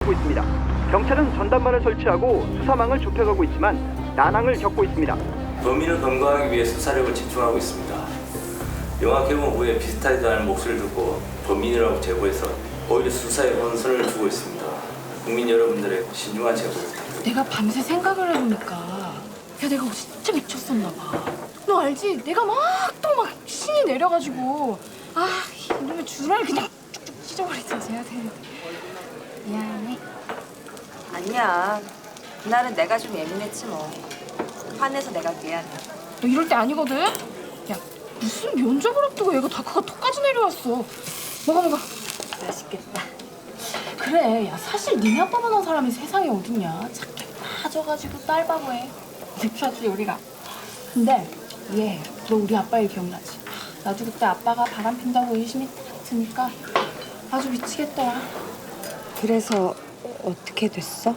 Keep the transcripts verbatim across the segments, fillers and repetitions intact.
벌어지고 있습니다. 경찰은 전담반을 설치하고 수사망을 좁혀가고 있지만 난항을 겪고 있습니다. 범인을 검거하기 위해 수사력을 집중하고 있습니다. 영화 개봉 후에 비슷하지도 않은 목소리를 듣고 범인이라고 제보해서 오히려 수사에 혼선을 주고 있습니다. 국민 여러분들의 신중한 제보 부탁드립니다. 내가 밤새 생각을 해보니까 야 내가 진짜 미쳤었나 봐. 너 알지? 내가 막 또 막 신이 내려가지고 아 이놈의 주라를 그냥 쭉쭉 찢어버리든지 해야 되는데 미안해. 아니야. 그날은 내가 좀 예민했지 뭐. 화내서 내가 미안해. 너 이럴 때 아니거든? 야 무슨 면접을 앞두고 얘가 다크가 턱까지 내려왔어. 먹어 먹어. 맛있겠다. 그래 야 사실 니네 아빠만한 사람이 세상에 어딨냐. 착해 빠져가지고 딸바보해. 립샷지 우리가. 근데 얘 너 우리 아빠 일 기억나지? 나도 그때 아빠가 바람 핀다고 의심이 딱 드니까 아주 미치겠더라. 그래서 어떻게 됐어?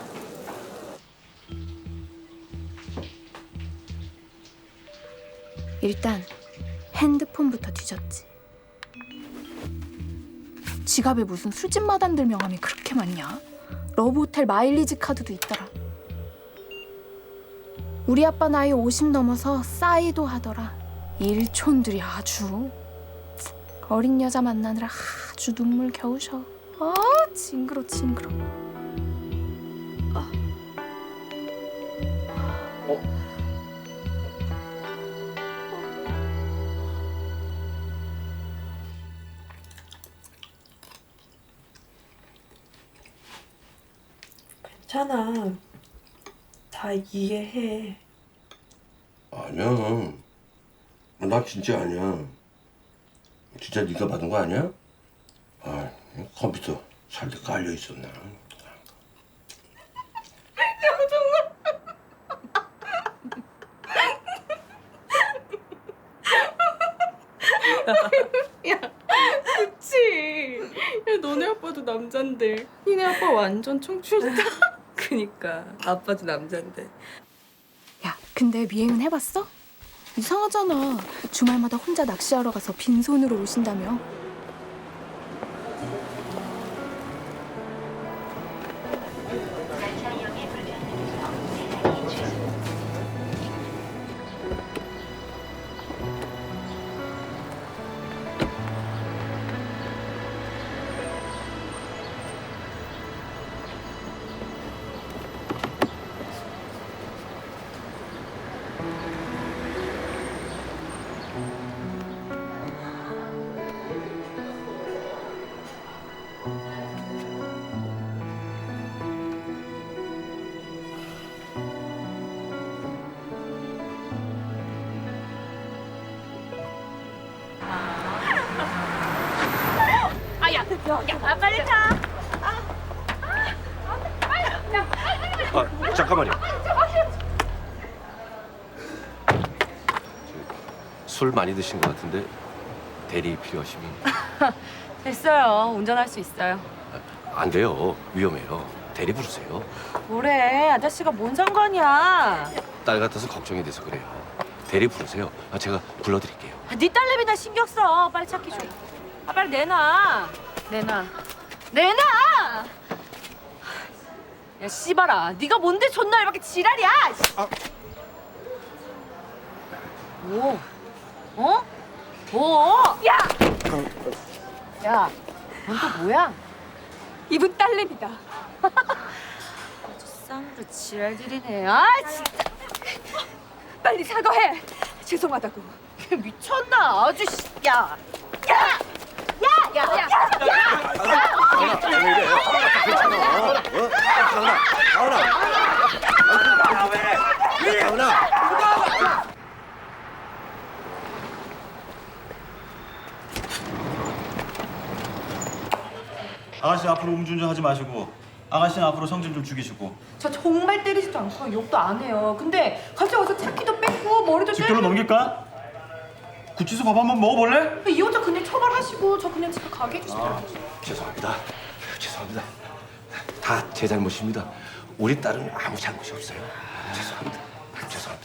일단 핸드폰부터 뒤졌지. 지갑에 무슨 술집 마담들 명함이 그렇게 많냐? 러브호텔 마일리지 카드도 있더라. 우리 아빠 나이 오십 넘어서 싸이도 하더라. 일촌들이 아주 어린 여자 만나느라 아주 눈물 겨우셔. 아 징그러 징그러. 괜찮아. 다 이해해. 아니야. 나 진짜 아니야. 진짜 네가 받은 거 아니야? 아, 컴퓨터 살때 깔려 있었나? 그치. 야, 너네 아빠도 남잔데. 니네 아빠 완전 청춘이다. 그니까 아빠도 남잔데. 야 근데 미행은 해봤어? 이상하잖아. 주말마다 혼자 낚시하러 가서 빈손으로 오신다며. 아, 잠깐만요. 술 많이 드신 것 같은데 대리 필요하시면 됐어요. 운전할 수 있어요. 안 돼요. 위험해요. 대리 부르세요. 뭐래? 아저씨가 뭔 상관이야? 딸 같아서 걱정이 돼서 그래요. 대리 부르세요. 아, 제가 불러드릴게요. 아, 네 딸내미나 신경 써. 빨리 찾기 줘. 아, 빨리 내놔. 내놔. 내놔! 야, 씨발아. 네가 뭔데 존나 이렇게 지랄이야? 아. 뭐? 어? 뭐? 야! 야, 넌 또 뭐야? 이분 딸내미다. 아주 쌍으로 지랄들이네. 아, 진짜. 빨리 사과해. 죄송하다고. 미쳤나? 아주 씨. 야. 야! 야! 야! 야! 야! 아가씨 앞으로 음주운전 하지 마시고 아가씨는 앞으로 성질 좀 죽이시고. 저 정말 때리지도 않고 욕도 안 해요. 근데 갑자기 와서 차키도 뺏고 머리도 직결로 때리고. 넘길까? 구치소 밥 한번 먹어볼래? 이 여자 그냥 처벌하시고 저 그냥 집에 가게 해주시면 안 돼요? 죄송합니다. 죄송합니다. 다 제 잘못입니다. 우리 딸은 아무 잘못이 없어요. 죄송합니다. 죄송합니다.